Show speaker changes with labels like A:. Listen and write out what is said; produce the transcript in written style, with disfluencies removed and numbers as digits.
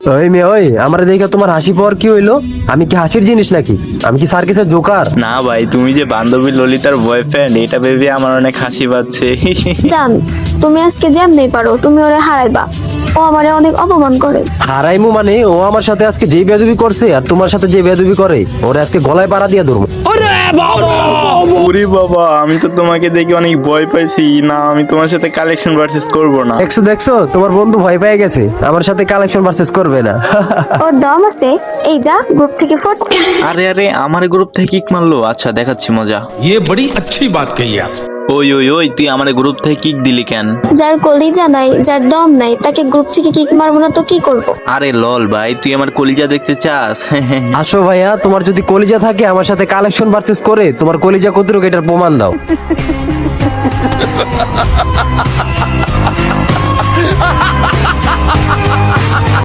A: ওই মেয়ে, ওই আমার দেখে তোমার হাসি পাওয়ার কি হইলো? আমি কি হাসির জিনিস নাকি? আমি কি সার্কাসের জোকার?
B: না ভাই, তুমি যে বান্ধবী ললিতার বয়ফ্রেন্ড এটা ভেবে আমার অনেক হাসি পাচ্ছে।
C: জান, তুমি আজকে যেমনি পারো তুমি ওরে হারাইবা। ও আমারে অনেক অপমান করে।
A: হারাইমু মানে? ও আমার সাথে আজকে যে বেয়াদবি করছে আর তোমার সাথে যে বেয়াদবি করে, ওরে আজকে গলায় পাড়া দিয়া ধরবো।
B: ওরে বাবা, আমি তো তোমাকে দেখে অনেক ভয় পাইছি। না, আমি তোমার সাথে কালেকশন ভার্সেস করব না।
A: দেখছো দেখছো, তোমার বন্ধু ভয় পেয়ে গেছে, আমার সাথে কালেকশন ভার্সেস করবে না।
C: ওর দম আছে। এই যা গ্রুপ থেকে ফট।
B: আরে আরে, আমার গ্রুপ থেকে কিক মারলো। আচ্ছা, দেখাচ্ছি মজা।
D: ये बड़ी अच्छी बात कही आप।
B: ওই ওই ওই, তুই আমার গ্রুপ থেকে কিক দিলি কেন?
C: যার কলিজা নাই, যার দম নাই, তাকে গ্রুপ থেকে কিক মারবো না তো কি করব?
B: আরে লল ভাই, তুই আমার কলিজা দেখতে চাস?
A: আসো ভাইয়া, তোমার যদি কলিজা থাকে আমার সাথে কালেকশন ভার্সেস করে তোমার কলিজা কতটুকু এটার প্রমাণ দাও।